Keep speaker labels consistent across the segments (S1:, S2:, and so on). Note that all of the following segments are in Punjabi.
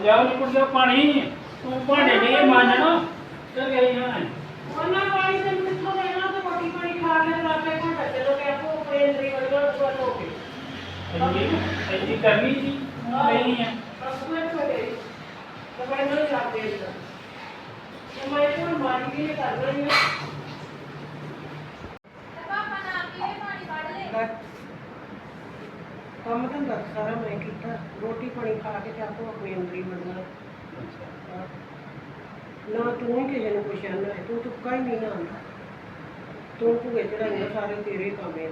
S1: ਲਿਆਓ ਨਿਕਲ ਜਾ ਪਾਣੀ ਤੂੰ ਭਾਂਡੇ ਨਹੀਂ ਮਾਂਜਣਾ ਚੱਲ ਗਈ ਹਾਂ
S2: ਉਹਨਾਂ ਪਾਣੀ ਤੇ ਮਿੱਠਾ ਦੇਣਾ ਤੇ ਰੋਟੀ ਪਾਣੀ ਖਾ ਕੇ ਰਾਤੇ ਘੰਟਾ ਚਲੋ ਤੇ ਆਪੋ ਆਪਣੇ ਅੰਦਰ ਹੀ ਵੜੋ ਹੋ ਕੇ
S1: ਇੰਨੀ ਕਰਨੀ ਸੀ ਨਹੀਂ ਹੈ
S2: ਬਸ ਮੈਂ ਛੋੜੇ ਤੇ ਮੈਂ ਨਹੀਂ ਕਰਦੇ ਇਹਦਾ ਤੇ ਮੈਂ ਕੋਲ ਮਾਰੀ ਵੀ ਕਰ ਰਹੀ ਹਾਂ
S3: ਪਾਪਾ ਨਾਲ ਪੀਏ ਪਾਣੀ ਕੱਢ ਲੈ
S2: ਕੰਮ ਤਾਂ ਸਾਰਾ ਮੈਂ ਕੀਤਾ ਰੋਟੀ ਪਾਣੀ ਖਾ ਕੇ ਤੇ ਆਪੋ ਆਪਣੇ ਅੰਦਰ ਹੀ ਵੜਨਾ ਨਾ ਤੂੰ ਹੀ ਕਿਸੇ ਨੂੰ ਪੁੱਛਿਆ ਨਾ ਤੂੰ ਤੁੱਕਾ ਹੀ ਨਹੀਂ ਨਾ ਆਉਂਦਾ ਤੂੰ ਭੂਏ ਚੜਾਈਆਂ ਸਾਰੇ ਤੇਰੇ ਕੰਮ ਆ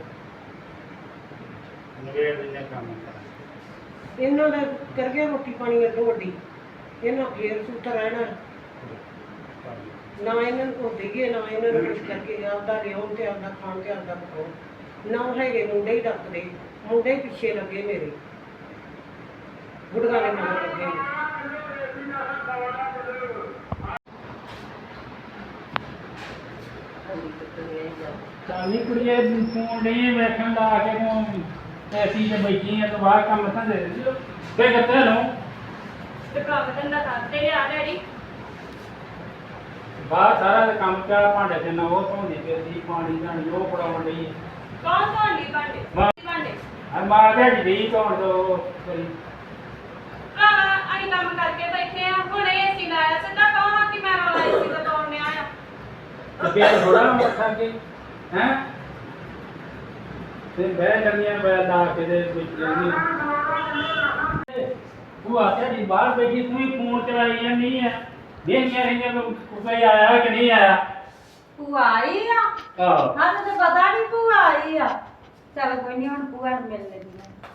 S1: ਨਵੇੜ ਦਿਨੇ ਕੰਮ
S2: ਇਹਨਾਂ ਦਾ ਕਰ ਗਿਆ ਰੋਟੀ ਪਾਣੀ ਅੱਡੋ ਵੱਡੀ ਇਹਨਾਂ ਫੇਰ ਸੁੱਤ ਰਹਿਣਾ ਨਾ ਇਹਨਾਂ ਨੂੰ ਕੋ ਦੇਈਏ ਨਾ ਇਹਨਾਂ ਨੂੰ ਕੁਝ ਕਰਕੇ ਆਪਦਾ ਲਿਆਉਣ ਤੇ ਆਪਦਾ ਖਾਣ ਤੇ ਆਪਦਾ ਪਕਾਉਣ ਨਾ ਹੈਗੇ ਮੁੰਡੇ ਹੀ ਡੱਕਦੇ ਮੁੰਡੇ ਹੀ ਪਿੱਛੇ ਲੱਗੇ ਮੇਰੇ ਗੁੜਗਾਂ ਦੇ ਮਗਰ ਲੱਗੇ
S1: ਚਾਲੀ ਕੁੜੀਏ ਫੋਨ ਨਹੀਂ ਵੇਖਣ ਦਾ ਆ ਕੇ ਤੂੰ ਐਸੀ ਤੇ ਬੈਠੀ ਆ ਤੂੰ ਬਾਹਰ ਕੰਮ ਤਾਂ ਦੇ ਦਿਓ ਤੇ ਕਿੱਥੇ ਲਓ
S3: ਤੇ ਕੰਮ ਧੰਦਾ ਕਰਦੇ ਆ ਡੈਡੀ
S1: ਬਾਹਰ ਸਾਰਾ ਤੇ ਕੰਮ ਪਿਆ ਭਾਂਡੇ ਤੇ ਨਾ ਉਹ ਧੋਂਦੀ ਫਿਰਦੀ ਪਾਣੀ ਧਾਣੀ ਉਹ ਪੜਾਉਣ ਲਈ
S3: ਕੌਣ ਧੋਂਦੀ ਭਾਂਡੇ ਭਾਂਡੇ
S1: ਆ ਮਾਂ ਦੇ ਜੀ ਧੋਣ ਦੋ ਕਰੀ
S3: ਭਰਾਵਾ ਅਸੀਂ ਕੰਮ ਕਰਕੇ ਬੈਠੇ ਆ ਹੁਣ ਏਸੀ ਲਾਇਆ ਸਿੱਧਾ ਕਹਾਂ ਕਿ ਮੈਂ ਰੌਲਾ ਏਸੀ ਦਾ ਤੋੜਨੇ ਆਇਆ
S1: ਤੇ ਫਿਰ ਥੋੜਾ ਮੱਥਾ ਕੇ ਹੈ ਤੇ ਬਹਿ ਜਾਂਦੀਆਂ ਬੈ ਲਾ ਕੇ ਦੇ ਵਿੱਚ ਜਾਂਦੀਆਂ ਤੂੰ ਆਖਿਆ ਜੀ ਬਾਹਰ ਬੈਠੀ ਤੂੰ ਹੀ ਫੋਨ ਚਲਾਈ ਜਾਂਦੀ ਹੈ ਦੇਖੀਆਂ ਰਹੀਆਂ ਕੋਈ ਆਇਆ ਕਿ ਨਹੀਂ ਆਇਆ
S4: ਭੂਆ ਆਈ ਆ
S1: ਆਹ
S4: ਸਾਨੂੰ ਤਾਂ ਪਤਾ ਨਹੀਂ ਭੂਆ ਆਈ ਆ ਚਲ ਕੋਈ ਨਹੀਂ ਹੁਣ ਭੂਆ ਨੂੰ ਮਿਲ ਲੈਂਦੀ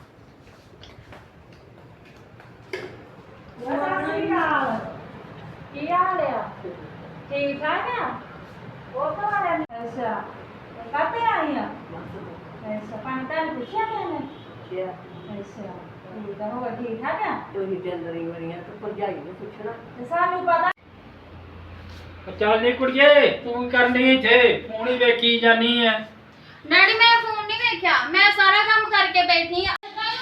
S4: ਮੈਂ ਕੀ ਹਾਲ ਆ ਠੀਕ ਠਾਕ ਆ ਉਹ ਤਾਂ ਆ ਰਿਹਾ ਅੱਛਾ ਕਾਤੇ ਆਈ ਆ ਅੱਛਾ ਪਾਣੀ ਤਾਂ ਨੀ ਪੁੱਛਿਆ ਮੈਨੇ ਅੱਛਾ ਠੀਕ ਆ ਹੋਰ ਠੀਕ ਠਾਕ ਆ
S2: ਤੁਸੀਂ ਤੇ ਅੰਦਰ ਹੀ ਵੜੀਆਂ ਤੇ ਭਰਜਾਈ ਨੂੰ ਪੁੱਛਣਾ
S4: ਤੇ ਸਾਨੂੰ ਪਤਾ
S1: ਚੱਲ ਨੀ ਕੁੜੀਏ ਤੂੰ ਕਰਨੀ ਇੱਥੇ ਫੋਨ ਹੀ ਵੇਖੀ ਜਾਨੀ ਹੈ
S3: ਡੈਡੀ ਮੈਂ ਫੋਨ ਨਹੀਂ ਵੇਖਿਆ ਮੈਂ ਸਾਰਾ ਕੰਮ ਕਰਕੇ ਬੈਠੀ ਆ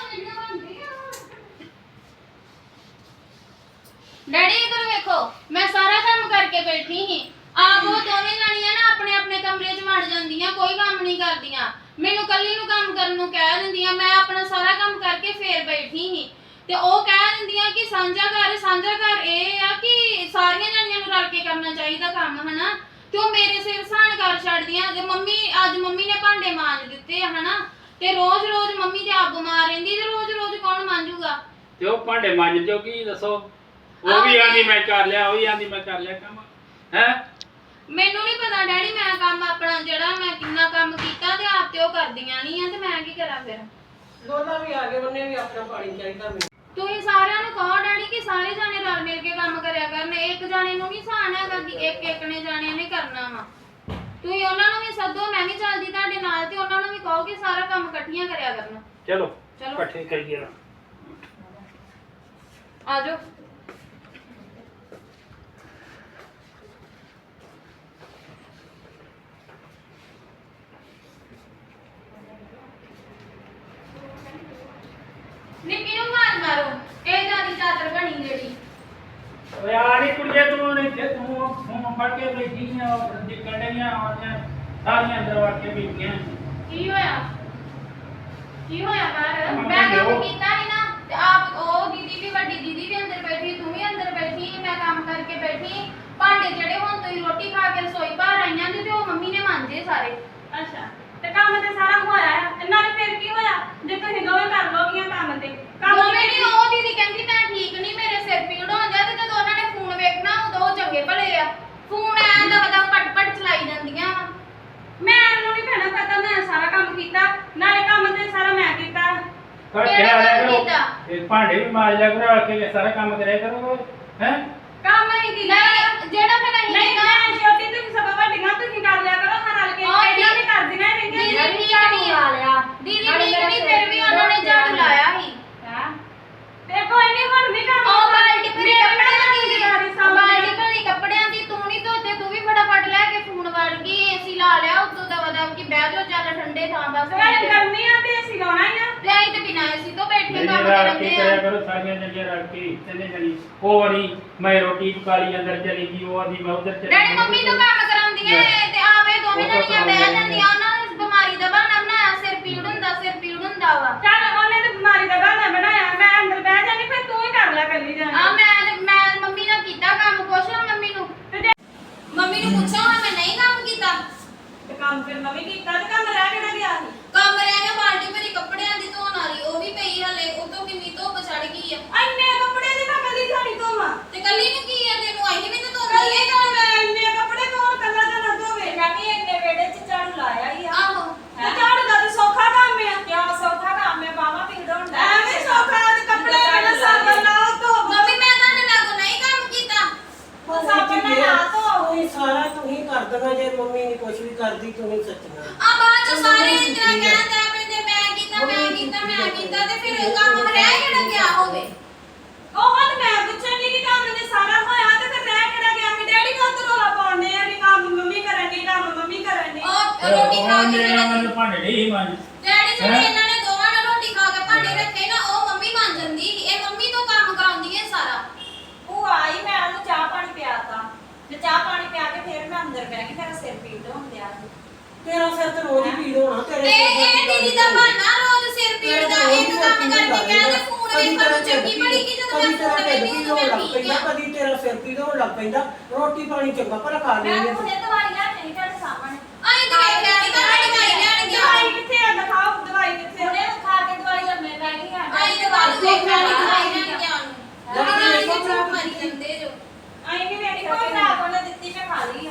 S3: ਡੈਡੀ ਇਧਰ ਵੇਖੋ ਮੈਂ ਸਾਰਾ ਕੰਮ ਕਰਕੇ ਬੈਠੀ ਸੀ ਆਪ ਉਹ ਦੋਵੇਂ ਜਾਣੀਆਂ ਨਾ ਆਪਣੇ ਆਪਣੇ ਕਮਰੇ 'ਚ ਵੜ ਜਾਂਦੀਆਂ ਕੋਈ ਕੰਮ ਨਹੀਂ ਕਰਦੀਆਂ ਮੈਨੂੰ ਕੱਲੀ ਨੂੰ ਕੰਮ ਕਰਨ ਨੂੰ ਕਹਿ ਦਿੰਦੀਆਂ ਮੈਂ ਆਪਣਾ ਸਾਰਾ ਕੰਮ ਕਰਕੇ ਫੇਰ ਬੈਠੀ ਸੀ ਤੇ ਉਹ ਕਹਿ ਦਿੰਦੀਆਂ ਕਿ ਸਾਂਝਾ ਘਰ ਇਹ ਆ ਕਿ ਸਾਰੀਆਂ ਜਾਣੀਆਂ ਨੂੰ ਰਲ ਕੇ ਕਰਨਾ ਚਾਹੀਦਾ ਕੰਮ ਹਨਾ ਤੇ ਉਹ ਮੇਰੇ ਸਿਰ ਸਾਨ ਕਰ ਛੱਡਦੀਆਂ ਜੇ ਅੱਜ ਮੰਮੀ ਨੇ ਭਾਂਡੇ ਮਾਂਜ ਦਿੱਤੇ ਆ ਹਨਾ ਤੇ ਰੋਜ਼ ਮੰਮੀ ਤੇ ਆਪ ਬਿਮਾਰ ਰਹਿੰਦੀ ਤੇ ਰੋਜ਼ ਕੌਣ ਮਾਂਜੂਗਾ
S1: ਤੇ ਉਹ ਭਾਂਡੇ ਮਾਂਜ ਦਿਓ ਕੀ ਦੱਸੋ ਉਹ ਵੀ ਆਂਦੀ ਮੈਂ ਕਰ ਲਿਆ ਉਹ ਵੀ ਆਂਦੀ ਮੈਂ ਕਰ ਲਿਆ ਕੰਮ ਹੈ
S3: ਮੈਨੂੰ ਨਹੀਂ ਪਤਾ ਡੈਡੀ ਮੈਂ ਕੰਮ ਆਪਣਾ ਜਿਹੜਾ ਮੈਂ ਕਿੰਨਾ ਕੰਮ ਕੀਤਾ ਤੇ ਆਪ ਤੇ ਉਹ ਕਰਦੀਆਂ ਨਹੀਂ ਆ ਤੇ ਮੈਂ ਕੀ ਕਰਾਂ ਫਿਰ
S2: ਦੋਨਾਂ ਵੀ ਆ ਗਏ ਉਹਨੇ ਵੀ ਆਪਣਾ ਪਾਣੀ ਚਾਹੀਦਾ ਮੈਨੂੰ
S3: ਤੁਸੀਂ ਸਾਰਿਆਂ ਨੂੰ ਕਹੋ ਡੈਡੀ ਕਿ ਸਾਰੇ ਜਾਣੇ ਰਲ ਮਿਲ ਕੇ ਕੰਮ ਕਰਿਆ ਕਰਨ ਇੱਕ ਜਾਣੇ ਨੂੰ ਨਹੀਂ ਸਹਾਨ ਹੈਗਾ ਕਿ ਇੱਕ ਨੇ ਜਾਣਿਆਂ ਨੇ ਕਰਨਾ ਵਾ ਤੁਸੀਂ ਉਹਨਾਂ ਨੂੰ ਵੀ ਸੱਦੋ ਮੈਂ ਵੀ ਚੱਲਦੀ ਤੁਹਾਡੇ ਨਾਲ ਤੇ ਉਹਨਾਂ ਨੂੰ ਵੀ ਕਹੋ ਕਿ ਸਾਰਾ ਕੰਮ ਇਕੱਠੀਆਂ ਕਰਿਆ ਕਰਨਾ
S1: ਚਲੋ
S3: ਚਲੋ
S1: ਇਕੱਠੇ ਕਰੀਏ ਨਾ
S3: ਆਜੋ ਨਿੱਕੀ ਨੂੰ ਮਾਰੋ ਇਹ ਜਿਆਦੀ ਚਾਦਰ ਬਣੀ ਜਿਹੜੀ
S1: ਓਏ ਆ ਨੀ ਕੁੜੀਏ ਤੂੰ ਨਹੀਂ ਤੇ ਤੂੰ ਫੋਨ ਫੜ ਕੇ ਬੈਠੀ ਆ ਨਿਕਲ ਰਹੀਆਂ ਆਉਂਦੀਆਂ ਸਾਰੀਆਂ ਅੰਦਰ ਵੜ ਕੇ ਬੈਠੀਆਂ
S3: ਕੀ ਹੋਇਆ ਬਾਹਰ ਮੈਂ ਕੰਮ ਕੀਤਾ ਨਹੀਂ ਨਾ ਤੇ ਆਪ ਉਹ ਦੀਦੀ ਵੀ ਵੱਡੀ ਦੀਦੀ ਵੀ ਅੰਦਰ ਬੈਠੀ ਤੂੰ ਵੀ ਅੰਦਰ ਬੈਠੀ ਮੈਂ ਕੰਮ ਕਰਕੇ ਬੈਠੀ ਭਾਂਡੇ ਜਿਹੜੇ ਹੁਣ ਤੁਸੀਂ ਰੋਟੀ ਖਾ ਕੇ ਰਸੋਈ ਬਾਹਰ ਆਈਆਂ ਤੇ ਉਹ ਮੰਮੀ ਨੇ ਮਾਂਜੇ ਸਾਰੇ
S4: ਅੱਛਾ ਤੇ ਕੰਮ ਤੇ ਸਾਰਾ ਹੋਇਆ ਆ ਤੇ ਨਾਲੇ ਫਿਰ ਕੀ ਹੋਇਆ ਜੇ ਤੁਸੀਂ ਦੋਵੇਂ ਕਰ ਲੋਗੀਆਂ ਕੰਮ ਤੇ
S3: ਦੋਵੇਂ ਨਹੀਂ ਉਹ ਦੀਦੀ ਕਹਿੰਦੀ ਮੈਂ ਠੀਕ ਨਹੀਂ ਮੇਰੇ ਸਿਰ ਪੀੜ ਹੋ ਜਾਂਦਾ ਤੇ ਜਦੋਂ ਉਹਨਾਂ ਨੇ ਫੋਨ ਵੇਖਣਾ ਉਦੋਂ ਉਹ ਚੰਗੇ ਭਲੇ ਆ ਫੋਨ ਐਂ ਦਾ ਪਟ ਚਲਾਈ ਜਾਂਦੀਆਂ ਵਾ
S4: ਮੈਨੂੰ ਨਹੀਂ ਭੈਣਾ ਪਤਾ ਮੈਂ ਸਾਰਾ ਕੰਮ ਕੀਤਾ ਨਾਲੇ ਕੰਮ ਤੇ ਸਾਰਾ ਮੈਂ ਕੀਤਾ
S1: ਪਰ
S3: ਕਿਹੜਾ
S1: ਕਿਹੜਾ
S3: ਕੰਮ
S1: ਕਰੋ
S3: ਕੀਤਾ?
S1: ਇਹ ਭਾਂਡੇ ਵੀ ਮਾਂਜ ਲਿਆ ਕਰੋ ਆ ਕੇ ਸਾਰਾ ਕੰਮ ਕਰਿਆ ਕਰੋ ਹੈ
S4: ਕੰਮ ਨਹੀਂ ਕੀਤਾ
S3: ਨਹੀਂ ਜਿਹੜਾ ਫਿਰ ਅਸੀਂ
S4: ਨਹੀਂ ਮੈਂ ਛੋਟੀ ਤੁਸੀਂ ਸਭ ਵੱਡੀਆਂ ਤੁਸੀਂ ਕਰ ਲਿਆ ਕਰੋ ਹਾਂ ਰਲ ਕੇ ਇਹਨਾਂ ਵੀ ਕਰਦੀਆਂ
S3: ਦੀਦੀ
S4: ਰਹਿੰਦੀਆਂ
S3: ਠੀਕ ਨਹੀਂ ਆ ਲਿਆ ਦੀਦੀ ਠੀਕ ਨਹੀਂ ਫਿਰ ਵੀ ਉਹਨਾਂ ਨੇ ਝਾੜੂ ਲਾਇਆ ਸੀ
S4: ਹਾਂ ਤੇ ਕੋਈ ਨਹੀਂ ਹੁਣ ਵੀ ਕੰਮ
S3: ਉਹ ਬਾਲਟੀ ਭਰੀ ਕੱਪੜਿਆਂ ਦੀ
S4: ਦੀ
S3: ਬਾਲਟੀ ਭਰੀ ਕੱਪੜਿਆਂ ਦੀ ਤੂੰ ਨਹੀਂ ਧੋਤੇ ਤੂੰ ਵੀ ਫਟਾਫਟ ਲੈ ਕੇ ਫੋਨ ਵੜ ਗਈ ਏਸੀ ਲਾ ਲਿਆ ਉਤੋਂ ਦਵਾ ਦਵ ਕਿ ਬਹਿ ਜਾਓ ਚੱਲ ਠੰਡੇ ਥਾਂ ਬਸ
S4: ਸਵੇਰੇ ਗਰਮੀ ਆ ਤੇ ਅਸੀਂ ਲਾਉਣਾ ਹੀ ਆ
S3: ਤੇ ਅਸੀਂ ਤੇ ਬਿਨਾਂ ਏਸੀ ਤੋਂ ਬੈਠੇ ਇੱਥੇ ਕੰਮ
S1: ਰਲ
S3: ਕਰਨ
S1: ਕੇ
S3: ਦੇ
S1: ਕਰਿਆ
S3: ਆ
S1: ਕਰੋ ਸਾਰੀਆਂ ਜਣੀਆਂ ਰਲ ਕੇ ਤਿੰਨੇ ਜਣੀ ਉਹ ਵਾਲੀ ਮੈਂ ਰੋਟੀ ਪਕਾ ਲਈ ਅੰਦਰ ਚਲੀ ਗਈ ਉਹ ਆਦੀ ਮੈਂ ਉਧਰ ਚਲੀ
S3: ਡੈਡੀ ਮੰਮੀ ਤੋਂ ਕੰਮ ਕਰਾਉਂਦੀਆਂ ਏ ਤੇ ਆਪੇ ਦੋਵੇਂ ਜਣੀਆਂ ਬਹਿ ਜਾਂਦੀਆਂ ਉਹਨਾਂ ਨੇ ਇਸ ਬਿਮਾਰੀ ਦਾ ਬਹਾਨਾ ਬਣਾਇਆ ਸਿਰ ਪੀੜ ਹੁੰਦਾ ਵਾ
S4: ਚੱਲ ਉਹਨੇ ਤੇ ਬਿਮਾਰੀ ਦਾ ਬਹਾਨਾ ਬਣਾਇਆ ਮੈਂ ਅੰਦਰ ਬਹਿ ਜਾਣੀ ਫਿਰ ਤੂੰ ਹੀ ਕਰ ਲੈ ਕੱਲੀ ਜਾਣੀ
S3: ਆ ਮੈਂ ਮੰਮੀ ਨਾਲ ਕੀਤਾ ਕੰਮ ਪੁੱਛ ਲਾ ਮੰਮੀ ਨੂੰ ਮੰਮੀ ਨੂੰ ਪੁੱਛੋ ਹਾਂ ਮੈਂ ਨਹੀਂ ਕੰਮ ਕੀਤਾ
S4: ਤੇ ਕੰਮ ਫਿਰ ਨਵੀਂ ਕੀਤਾ ਤੇ ਕੰਮ ਰਹਿ ਕਿਹੜਾ ਗਿਆ ਸੀ
S3: ਕੰਮ ਰਹਿ ਗਿਆ ਬਾਲਟੀ ਭਰੀ ਕੱਪੜਿਆਂ ਦੀ ਧੋਣ ਵਾਲੀ ਉਹ ਵੀ ਪਈ ਹਲੇ ਉਹ ਤੋਂ ਕਿੰਨੀ ਧੁੱਪ ਚੜ ਗਈ ਆ
S4: ਇੰਨੇ ਕੱਪੜੇ ਦੀ ਮੈਂ ਕੱਲੀ ਜਾਣੀ ਧੋਵਾਂ
S3: ਤੇ ਕੱਲੀ ਨੂੰ ਕੀ ਆ ਤੈਨੂੰ ਆਈ ਵੀ ਤਾਂ ਧੋਂਦੀ
S4: ਕੱਲੀ
S3: ਏ
S4: ਤਾਂ ਮੈਂ ਇੰਨੇ ਕੱਪੜੇ ਕੌਣ ਕੱਲਾ ਜਣਾ ਧੋਵੇ ਮੈਂ ਵੀ ਇੰਨੇ ਵੇੜੇ 'ਚ ਝਾੜੂ ਲਾਇਆ ਹੀ ਆ
S3: ਆਹੋ
S4: ਤੇ ਝਾੜੂ ਦਾ ਤੇ ਸੌਖਾ ਕੰਮ ਆ ਕਿਉਂ ਸੌਖਾ ਕੰਮ ਹੈ ਬਾਵਾ ਪੀੜ ਹੁੰਦਾ ਐਵੇਂ ਸੌਖਾ ਤੇ ਕੱਪੜੇ ਪਹਿਲਾਂ ਸਾਬਣ ਨਾਲ ਧੋ
S3: ਮੰਮੀ ਮੈਂ ਤੁਹਾਡੇ ਨਾਲ ਨਹੀਂ ਕੰਮ ਕੀਤਾ
S4: ਸਾਬਣ ਨਾਲ ਨਾ ਧੋ
S2: ਤੁਸੀਂ ਸਾਰਾ ਤੁਸੀਂ ਕਰ ਦੇਣਾ ਜੇ ਮੰਮੀ ਨਹੀਂ ਕੁਝ ਵੀ ਕਰਦੀ ਤੁਸੀਂ ਸੱਚੀਆਂ
S3: ਆ ਬਾਅਦ ਚ ਸਾਰੇ ਇੰਦਰਾ ਕਹਿੰਦੇ ਆਪਣੇ ਮੈਂ ਕੀਤਾ ਤੇ ਫਿਰ ਕੰਮ ਰਹਿ ਕਿਹੜਾ ਗਿਆ ਹੋਵੇ
S4: ਉਹ ਤਾਂ ਮੈਂ ਪੁੱਛਣ ਦੀ ਕਿ ਕੰਮ ਨੇ ਸਾਰਾ ਹੋਇਆ ਤੇ ਫਿਰ ਰਹਿ ਕਿਹੜਾ ਗਿਆ ਕਿ ਡੈਡੀ ਕੋ ਤੋਂ ਰੋਲਾ ਪਾਉਂਦੇ ਆ ਕਿ ਕੰਮ ਮੰਮੀ ਕਰਨ ਦੀ ਕੰਮ ਮੰਮੀ ਕਰਨ ਦੀ
S3: ਉਹ ਰੋਟੀ ਖਾ ਕੇ
S1: ਮੇਰੇ ਨਾਲ
S3: ਜਿਹੜੇ
S1: ਮੈਨੂੰ ਭਾਂਡੇ ਨਹੀਂ ਮਾਂਜ
S3: ਡੈਡੀ ਜਿਹੜੇ ਇਹਨਾਂ ਨੇ ਦੋਵਾਂ ਨੇ ਰੋਟੀ ਖਾ ਕੇ ਭਾਂਡੇ ਰੱਖੇ ਨਾ ਉਹ ਮੰਮੀ ਮੰਨ ਜਾਂਦੀ ਸੀ। ਇਹ ਮੰਮੀ ਤੋਂ ਕੰਮ ਕਰਾਉਂਦੀ ਹੈ ਸਾਰਾ
S4: ਉਹ ਆਈ ਮੈਂ ਉਹਨੂੰ ਚਾਹ ਪਾਣੀ ਪਿਆਤਾ ਤੇ ਚਾਹ ਪਾਣੀ ਪਿਆ ਕੇ ਫਿਰ ਮੈਂ ਅੰਦਰ ਬਹਿ ਗਈ ਮੇਰਾ ਸਿਰ ਪੀੜ ਹੁੰਦਿਆ
S2: ਤੇਰਾ ਸਿਰ ਤੇ ਰੋਜ਼ ਹੀ ਪੀੜ ਹੋਣਾ ਤੇਰੇ
S3: ਇਹ ਦੀਦੀ ਦਾ ਬਹਾਨਾ ਰੋਜ਼ ਸਿਰ ਪੀੜ ਦਾ ਇੱਕ ਕੰਮ ਕਰਕੇ ਕਹਿੰਦੇ ਫੋਨ ਵੇਖਣ ਨੂੰ ਚੰਗੀ ਬੜੀ ਕਿ ਜਦੋਂ ਮੈਂ ਫੋਨ ਵੇਖਦੀ ਹਾਂ ਮੈਂ ਠੀਕ ਆ
S2: ਕਦੀ ਤੇਰਾ ਸਿਰ ਪੀੜ ਹੋਣ ਲੱਗ ਪੈਂਦਾ ਰੋਟੀ ਪਾਣੀ ਚੰਗਾ ਭਲਾ ਖਾ
S4: ਮੈਂ
S2: ਲੈਂਦੇ
S4: ਹੁਣੇ ਦਵਾਈ ਲੈ ਕੇ ਤੁਹਾਡੇ ਸਾਹਮਣੇ
S3: ਆਈ ਤਾਂ ਵੇਖਿਆ ਨਹੀਂ ਤਾਂ ਦਵਾਈ ਲੈਣ ਗਿਆ
S4: ਦਵਾਈ ਕਿੱਥੇ ਆ ਦਿਖਾਓ ਦਵਾਈ ਕਿੱਥੇ ਹੁਣੇ ਖਾ ਕੇ ਦਵਾਈ ਲੰਮੇ ਪੈ ਗਈ ਆ
S3: ਆਈ ਤਾਂ ਬਾਅਦ ਵੇਖਿਆ ਨਹੀਂ ਦਵਾਈ ਲੈਣ ਗਿਆ ਨੂੰ ਦਵਾਈ ਲੈਣ ਕੇ ਚੁੱਪ ਮਾਰੀ ਜਾਂਦੇ ਜੋ
S4: ਆਈ ਨਹੀਂ ਵੇਖੀ ਕੋਈ ਨਾ ਕੋਨੇ ਦਿੱਤੀ ਮੈਂ ਖਾ ਲਈ ਆ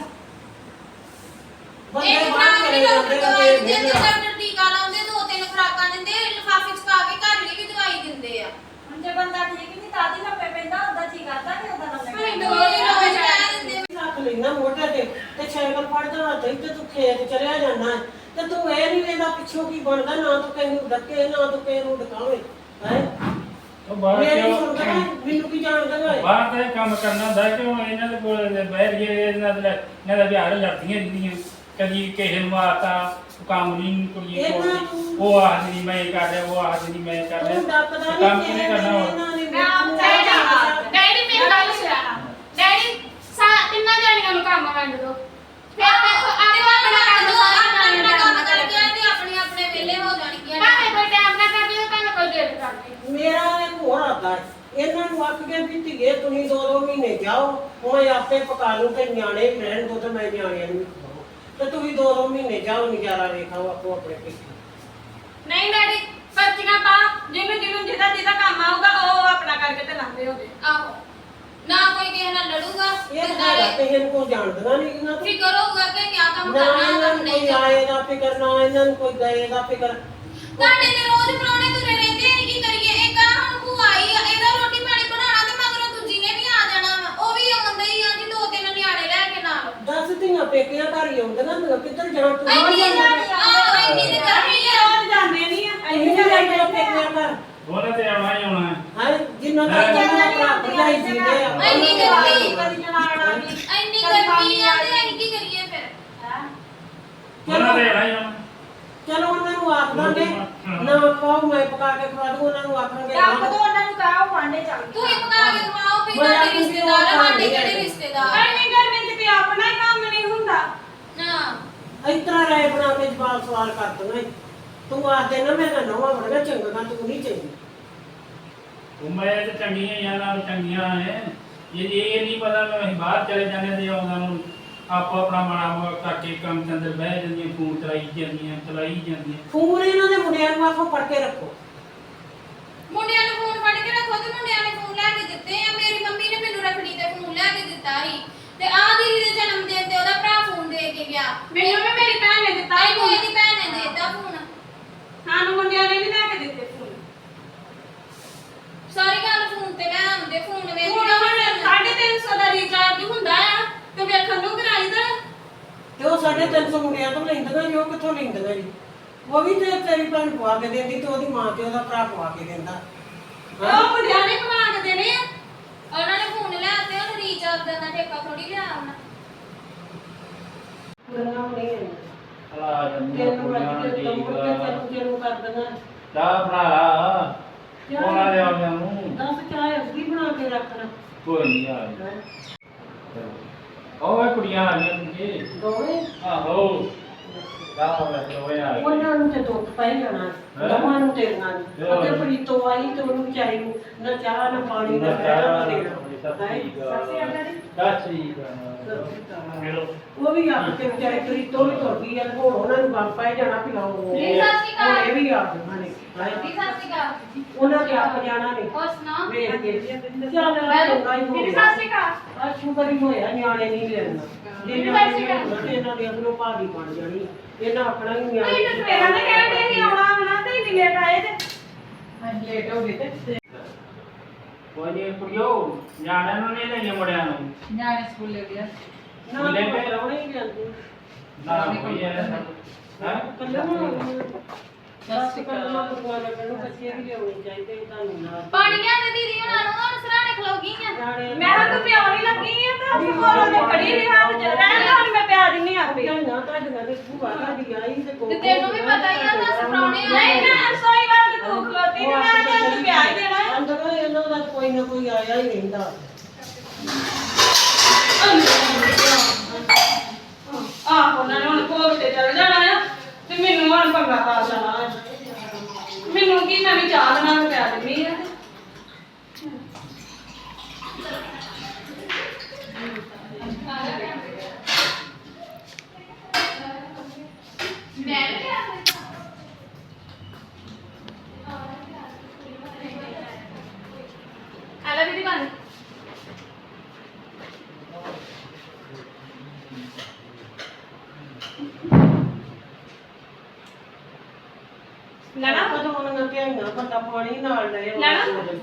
S2: ਬੰਦੇ
S3: ਇੱਕ
S2: ਬਾਹਰ
S3: ਖਰਾਕ
S2: ਚਲੇ
S3: ਨਹੀਂ
S2: ਜਾਂਦੇ
S3: ਦਵਾਈ
S2: ਆ
S3: ਦਿੰਦੇ ਡਾਕਟਰ ਟੀਕਾ ਲਾਉਂਦੇ ਦੋ ਤਿੰਨ ਖਰਾਕਾਂ ਦਿੰਦੇ ਲਿਫਾਫੇ ਚ ਪਾ ਕੇ ਘਰ ਲਈ ਵੀ ਦਵਾਈ ਦਿੰਦੇ ਆ
S4: ਹੁਣ ਜੇ ਬੰਦਾ ਠੀਕ ਨਹੀਂ ਤਾਂ ਦੀ ਲੱਪੇ ਪੈਂਦਾ ਉਹਦਾ ਜੀ ਕਰਦਾ ਕਿ ਉਹਦਾ ਲੰਮੇ
S3: ਫਿਰ ਦਵਾਈ ਰੋਜ਼ ਕਹਿ ਦਿੰਦੇ
S2: ਰੱਖ ਲੈਣਾ ਮੋਢੇ ਤੇ ਸਾਈਕਲ ਫੜਦਾ ਹੱਥ ਤੇ ਤੂੰ ਖੇਤ ਚਲਿਆ ਜਾਂਦਾ ਤੇ ਤੂੰ ਇਹ ਨਹੀਂ ਵੇਂਦਾ ਪਿੱਛੋਂ ਕੀ ਬਣਦਾ ਨਾ ਤੂੰ ਕਿਸੇ ਨੂੰ ਡੱਕੇ ਨਾ ਤੂੰ ਕਿਸੇ ਨੂੰ ਡਕਾਵੇਂ ਹੈ
S1: ਉਹ ਬਾਹਰ
S2: ਮੇਰੀ
S1: ਕਿਉਂ
S2: ਸੁਣਦਾ ਮੈਨੂੰ ਕੀ ਜਾਣਦਾ ਓਏ
S1: ਬਾਹਰ ਤਾਂ ਇਹ ਕੰਮ ਕਰਨਾ ਹੁੰਦਾ ਕਿ ਉਹ ਇਹਨਾਂ ਦੇ ਕੋਲ ਬਹਿ ਗਏ ਇਹਨਾਂ ਦਾ ਵਿਹਾਰ ਲੜਦੀਆਂ ਰਹਿੰਦੀਆਂ ਕਦੀ ਕਿਸੇ ਨੂੰ ਮਾਰਤਾ ਕੰਮ ਨਹੀਂ ਕੁੜੀਏ ਕੋਲ ਉਹ ਆਖਦੀ ਮੈਂ ਕਰ ਰਿਹਾ ਉਹ ਆਖਦੀ ਮੈਂ ਕਰ
S2: ਤੂੰ
S1: ਰਿਹਾ
S2: ਡੱਕਦਾ
S1: ਕੰਮ
S2: ਨਹੀਂ
S1: ਕਿਹਨੇ ਕਰਨਾ ਹੁਣ
S2: ਇਹਨਾਂ ਨੇ
S4: ਮੈਂ ਆਪ ਚਾਹ ਜਾਣਾ
S3: ਡੈਡੀ ਮੇਰੀ ਗੱਲ ਸੁਣਾ ਡੈਡੀ ਤਿੰਨਾਂ ਜਾਣੀਆਂ ਨੂੰ ਕੰਮ ਵੰਡ ਦੋ ਫਿਰ ਦੇਖੋ ਆਪਣਾ ਕੰਮ ਆਪਣਾ ਕੰਮ ਕਰਕੇ ਤੇ ਆਪਣੇ ਆਪਣੇ ਵਿਹਲੇ ਹੋ ਜਾਣਗੀਆਂ ਭਾਵੇਂ ਕੋਈ ਟਾਈਮ ਨਾ ਕਰਦੀ ਤੇ ਭਾਵੇਂ ਕੋਈ ਲੇਟ ਕਰਦੀ
S2: ਮੇਰਾ ਇੱਕ ਹੋਰ ਆਦਾ ਹੈ ਇਹਨਾਂ ਨੂੰ ਆਖ ਕੇ ਵੀ ਧੀਏ ਤੁਸੀਂ 2-2 ਮਹੀਨੇ ਜਾਓ ਮੈਂ ਆਪੇ ਪਕਾ ਲੂੰ ਤੇ ਨਿਆਣੇ ਵੀ ਰਹਿਣ ਦੋ ਤੇ ਮੈਂ ਨਿਆਣਿਆਂ ਨੂੰ ਵੀ ਖਵਾਉਂ ਤੇ ਤੁਸੀਂ 2-2 ਮਹੀਨੇ ਜਾਓ ਨਜ਼ਾਰਾ ਵੇਖਾਓ ਆਪੋ ਆਪਣੇ ਪਿੱਛੇ
S4: ਨਹੀਂ ਡੈਡੀ ਪਰਚੀਆਂ ਪਾ ਜਿਹਨੂੰ ਜਿਹਦਾ ਕੰਮ ਆਊਗਾ ਉਹ ਆਪਣਾ ਕਰਕੇ ਤੇ ਲੰਘਦੇ ਹੋਵੇ
S3: ਆਹੋ ਨਾ ਕੋਈ ਕਿਸੇ ਨਾਲ ਲੜੂਗਾ
S2: ਇਹ
S3: ਤੇ
S2: ਤਾਂ
S3: ਨਾਲੇ
S2: ਤੇ ਇਹਨਾਂ ਨੂੰ ਜਾਣਦੀਆਂ ਨਹੀਂ ਇਹਨਾਂ ਤੋਂ
S3: ਫਿਕਰ ਹੋਊਗਾ ਕਿ ਆ ਕੰਮ
S2: ਨਾ
S3: ਕਰਨਾ
S2: ਇਹਨਾਂ
S3: ਕੰਮ
S2: ਨੂੰ
S3: ਨਹੀਂ
S2: ਕੋਈ
S3: ਕਰਨਾ
S2: ਆਏ ਦਾ ਫਿਕਰ ਨਾ ਇਹਨਾਂ ਨੂੰ ਕੋਈ ਗਏ ਦਾ ਫਿਕਰ
S3: ਤੁਹਾਡੇ ਤੇ ਰੋਜ਼ ਪ੍ਰਾਹੁਣੇ ਤੁਰੇ ਰਹਿੰਦੇ ਨੇ ਕੀ ਕਰੀਏ ਇੱਕ ਆ ਹੁਣ ਭੂਆ ਆਈ ਆ ਇਹਦਾ ਰੋਟੀ ਪਾਣੀ ਬਣਾਉਣਾ ਤੇ ਮਗਰੋਂ ਦੂਜੀ ਨੇ ਵੀ ਆ ਜਾਣਾ ਵਾ ਉਹ ਵੀ ਆਉਂਦਾ ਹੀ ਆ ਜੀ ਦੋ ਤਿੰਨ ਨਿਆਣੇ ਲੈ ਕੇ ਨਾਲ
S2: ਦੱਸ ਧੀਆਂ ਪੇਕਿਆਂ ਘਰ ਹੀ ਆਉਂਦੀਆਂ ਮੈਂ ਕਿੱਧਰ ਜਾਣ ਤੂੰ
S3: ਇੰਨੀ ਇੰਨੀ ਦੀ ਗਰਮੀ ਆ
S4: ਰੋਜ਼ ਜਾਂਦੇ ਨਹੀਂ ਆ
S2: ਇੰਨੀ ਜਾਂਦੇ ਪੇਕਿਆਂ ਘਰ
S1: ਉਹਨੇ ਤੇ ਆਉਣਾ ਹੀ ਆਉਣਾ ਹੈ।
S2: ਹਾਂ ਜਿੰਨਾ ਤੱਕ ਇਹਨਾਂ ਭਰਾ ਭਰਜਾਈ ਜੀਂਦੇ ਆ
S3: ਇੰਨੀ ਗਰਮੀ
S4: ਕਦੀ ਜਨਾਣਾ ਵੀ
S3: ਇੰਨੀ ਗਰਮੀ ਆ ਤੇ ਅਸੀਂ ਕੀ ਕਰੀਏ ਫਿਰ
S1: ਉਹਨਾਂ ਤੇ ਆਉਣਾ ਹੀ ਆਉਣਾ
S2: ਚਲੋ ਉਹਨਾਂ ਨੂੰ ਆਖ ਦਾਂਗੇ ਨਾ ਖਾਓ ਮੈਂ ਪਕਾ ਕੇ ਖਵਾ ਦੂੰ ਉਹਨਾਂ ਨੂੰ ਆਖਾਂਗੇ
S4: ਰੱਬ ਤੋਂ ਉਹਨਾਂ ਨੂੰ ਕਹੋ ਵਾਂਡੇ ਚੱਲ
S3: ਤੂੰ ਹੀ ਪਕਾ ਕੇ ਖਵਾਓ ਵੀ ਤੁਹਾਡੇ ਰਿਸ਼ਤੇਦਾਰ ਆ ਸਾਡੇ ਕਿਹੜੇ ਰਿਸ਼ਤੇਦਾਰ
S4: ਐਵੇਂ ਗਰਮੀ ਚ ਤੇ ਆਪਣਾ ਹੀ ਕੰਮ ਨਹੀਂ ਹੁੰਦਾ
S3: ਨਾ
S2: ਇਸ ਤਰ੍ਹਾਂ ਰਾਏ ਬਣਾ ਕੇ ਜਵਾਬ ਸਵਾਲ ਕਰ ਦੂੰਗਾ ਤੂੰ ਆਖ ਦੇ ਨਾ ਮੈਂ ਤਾਂ ਨਵਾਂ ਬੜਾ ਚੰਗਾ ਤੂੰ ਨਹੀਂ ਚੰਗੀ
S1: ਉਹ ਮੈਂ ਤੇ ਚੰਗੀਆਂ ਜਾਂ ਨਾਲ ਚੰਗੀਆਂ ਹੈ ਇਹ ਨਹੀਂ ਪਤਾ ਮੈਂ ਅਸੀਂ ਬਾਹਰ ਚਲੇ ਜਾਂਦੇ ਤੇ ਉਹਨਾਂ ਨੂੰ ਆਪੋ ਆਪਣਾ ਮਾੜਾ ਕਰਕੇ ਕੰਮ ਦੇ ਅੰਦਰ ਬਹਿ ਜਾਂਦੀਆਂ ਫੋਨ ਚਲਾਈ ਜਾਂਦੀਆਂ
S2: ਫੋਨ ਇਹਨਾਂ ਦੇ ਮੁੰਡਿਆਂ ਨੂੰ ਆਖੋ ਫੜ ਕੇ ਰੱਖੋ
S3: ਮੁੰਡਿਆਂ ਨੂੰ ਫੋਨ ਫੜ ਕੇ ਰੱਖੋ ਤੇ ਮੁੰਡਿਆਂ ਨੇ ਫੋਨ ਲੈ ਕੇ ਦਿੱਤੇ ਆ ਮੇਰੀ ਮੰਮੀ ਨੇ ਮੈਨੂੰ ਰੱਖੜੀ ਤੇ ਫੋਨ ਲੈ ਕੇ ਦਿੱਤਾ ਸੀ ਤੇ ਆ ਦੀਦੀ ਦੇ ਜਨਮ ਦਿਨ ਤੇ ਉਹਦਾ ਭਰਾ ਫੋਨ ਦੇ ਕੇ ਗਿਆ
S4: ਮੈਨੂੰ ਵੀ ਮੇਰੀ ਭੈਣ ਨੇ ਦਿੱਤਾ
S3: ਤਾਈ ਕੋਈ ਦੀ ਭੈਣ ਨੇ ਦੇ ਦਿੱਤਾ ਫੋਨ
S4: ਸਾਨੂੰ ਮੁੰਡਿਆਂ ਨੇ ਨਹੀਂ ਲੈ ਕੇ ਦਿੱਤੇ ਫੋਨ
S3: ਸਾਰੀ ਗੱਲ ਫੋਨ ਤੇ ਲੈ ਆਉਂਦੇ ਫੋਨ ਵੇਖ
S4: ਹੁਣ ਹੁਣ 350 ਦਾ ਰੀਚਾਰਜ ਹੁੰਦਾ ਆ ਤੇ ਵੇਖਣ ਨੂੰ ਕਰਾਈਦਾ
S2: ਤੇ ਉਹ 350 ਮੁੰਡਿਆਂ ਤੋਂ ਲੈਂਦੀਆਂ ਜੀ ਉਹ ਕਿੱਥੋਂ ਲੈਂਦੀਆਂ ਜੀ ਉਹ ਵੀ ਤੇ ਤੇਰੀ ਭੈਣ ਪਵਾ ਕੇ ਦਿੰਦੀ ਤੇ ਉਹਦੀ ਮਾਂ ਤੇ ਉਹਦਾ ਭਰਾ ਪਵਾ ਕੇ ਦਿੰਦਾ
S4: ਉਹ ਮੁੰਡਿਆਂ ਨੇ ਕਮਾ ਕੇ ਦੇਣੇ ਆ
S3: ਉਹਨਾਂ ਨੇ ਫੋਨ ਲਿਆ ਤੇ ਉਹਨੂੰ ਰੀਚਾਰਜ ਦਾ ਠੇਕਾ ਥੋੜੀ ਲਿਆ ਉਹਨਾਂ
S2: ਗੱਲਾਂ ਨਹੀਂ
S1: ਹਲਾ ਜਾਂਦੀਆਂ
S2: ਤੈਨੂੰ
S1: ਕੁੜੀਆਂ
S2: ਅੱਜ ਤੇ
S1: ਠੀਕ
S2: ਮੁੜ ਕੇ ਤੈਨੂੰ ਕਰ ਦੇਣਾ
S1: ਚਾਹ ਬਣਾ ਲਾ ਕੋਲਾ ਲਿਆ ਗਿਆ ਨੂੰ
S2: ਦੱਸ ਚਾਹ ਅੱਧੀ ਬਣਾ ਕੇ ਰੱਖਣਾ
S1: ਕੋਈ ਨਹੀਂ ਆ ਉਹ ਕੁੜੀਆਂ ਆ ਗਈਆਂ ਤੁਝੇ
S2: ਦੋਵੇਂ
S1: ਆਹੋ ਗਾਹ ਵੇ ਦੋਵੇਂ ਆ ਗਏ
S2: ਉਹਨਾਂ ਨੂੰ ਤੇ ਦੁੱਖ ਪੈ ਜਾਣਾ ਦੋਵਾਂ ਨੂੰ ਤੇਰੀਆਂ ਨੂੰ ਅੱਗੇ ਪ੍ਰੀਤੋਂ ਆਈ ਤੇ ਉਹਨੂੰ ਵਿਚਾਰੀ ਨੂੰ ਨਾ ਚਾਹ ਨਾ ਪਾਣੀ ਦਾ ਪੈਣਾ ਦੇਣਾ ਉਹ ਵੀ ਆਪ ਤੇ ਵਿਚਾਰੇ ਪ੍ਰੀਤੋਂ ਵੀ ਤੁਰ ਗਈ ਆ ਹੁਣ ਉਹਨਾਂ ਨੂੰ ਬੰਦ ਪੈ ਜਾਣਾ ਪਿਲਾਓ
S3: ਜੀ ਸਤਿ ਸ਼੍ਰੀ ਅਕਾਲ।
S2: ਹੁਣ ਇਹ ਵੀ ਆ ਗਏ ਨੇ
S3: ਜੀ ਸਤਿ ਸ਼੍ਰੀ ਅਕਾਲ।
S2: ਉਹਨਾਂ ਦੇ ਆਪ ਜਾਣਾ ਨੇ
S3: ਹੋਰ ਸੁਣਾਓ?
S2: ਵੇਖ ਕੇ ਚੱਲ ਚੰਗਾ ਹੀ ਹੋ
S3: ਜੀ
S2: ਗਿਆ
S3: ਸਤਿ ਸ਼੍ਰੀ ਅਕਾਲ।
S2: ਆ ਸ਼ੁਕਰ ਹੀ ਹੋਇਆ ਨਿਆਣੇ ਨਹੀਂ ਲੈਣਾ ਜੇ ਨਿਆਣੇ ਹੋਣਾ ਤੇ ਇਹਨਾਂ ਦੇ ਅੰਦਰੋਂ ਭਾਗੀ ਬਣ ਜਾਣੀ ਇਹਨਾਂ ਆਪਣਾ ਹੀ ਨਿਆਣੇ
S4: ਨਹੀਂ ਤੇ ਸਵੇਰਾਂ ਦੇ ਕਹਿੰਦੇ ਸੀ ਆਉਣਾ ਤੇ ਇੰਨੀ ਲੇਟ ਆਏ ਤੇ
S2: ਲੇਟ ਹੋ ਗਏ ਤੇ
S1: ਕੋਈ ਨਹੀਂ ਕੁੜੀਓ ਨਿਆਣਿਆਂ ਨੂੰ ਨਹੀਂ ਲੈਣੇ ਮੁੰਡਿਆਂ ਨੂੰ
S4: ਨਿਆਣੇ ਸਕੂਲੇ ਗਿਆ
S2: ਨਾ ਮੈਂ ਰੌਣੇ ਹੀ ਜਾਂਦੀ
S1: ਨਾ ਕੋਈ ਹੈ ਹਾਂ
S2: ਬਸ ਕੱਲ੍ਹ ਪਕਵਾ ਲੱਗਣ ਬੱਚੇ ਵੀ ਲਿਆਉਣੇ ਚਾਹੀਦੇ ਤੁਹਾਨੂੰ ਨਾਲ
S3: ਪਾਣੀਆਂ ਦੇ ਦੀਦੀ ਉਹਨਾਂ ਨੂੰ ਹੁਣ ਸਰਾਣੇ ਖਲੋ ਗਈਆਂ।
S4: ਮੈਂ ਤਾਂ ਤੂੰ ਪਿਆਉਣੀ ਲੱਗੀ ਆ ਤਾਂ ਅਸੀਂ ਕੋਲੋਂ ਨੇ ਖੜੀ ਵੀ ਹੱਥ ਚ ਰਹਿਣ ਦਾ ਮੈਂ ਪਿਆ ਦਿੰਨੀ ਆਪੇ
S2: ਨਾ ਤੁਹਾਡੀਆਂ ਦੇ ਭੂਆ ਤੁਹਾਡੀ ਆਈ ਤੇ
S3: ਤੇ ਤੈਨੂੰ ਵੀ ਪਤਾ ਹੀ ਆ ਦੱਸ ਪ੍ਰਾਹੁਣੇ ਆਏ
S4: ਨਹੀਂ ਨਾ ਸੋਈ ਗੱਲ ਤੇ ਤੂੰ ਖਲੋਤੀ ਤੇ ਮੈਂ ਤੈਨੂੰ ਪਿਆ ਹੀ ਦੇਣਾ ਆ।
S2: ਅੰਦਰੋਂ ਇਹਨਾਂ ਦਾ ਕੋਈ ਨਾ ਕੋਈ ਆਇਆ ਹੀ ਰਹਿੰਦਾ
S4: ਆਹ ਉਹਨਾਂ ਨੇ ਹੁਣ ਭੋਗ ਤੇ ਚੱਲ ਜਾਣਾ ਆ ਤੇ ਮੈਨੂੰ ਹੁਣ ਪੰਗਾ ਪਾ ਜਾਣਾ ਆ। ਮੈਨੂੰ ਕੀ ਮੈਂ ਵੀ ਚਾਹ ਬਣਾ ਕੇ ਪਿਆ ਦਿੰਨੀ ਆ
S3: ਮੈਂ ਵੀ ਆ ਗਈ। ਆਲਾ ਦੀਦੀ ਬਣ
S2: ਲੈਣਾ ਕਦੋਂ ਉਹਨਾਂ ਧਿਆਈਆਂ ਬੰਦਾ ਪਾਣੀ ਨਾਲ ਲਏ
S4: ਲੈਣਾ?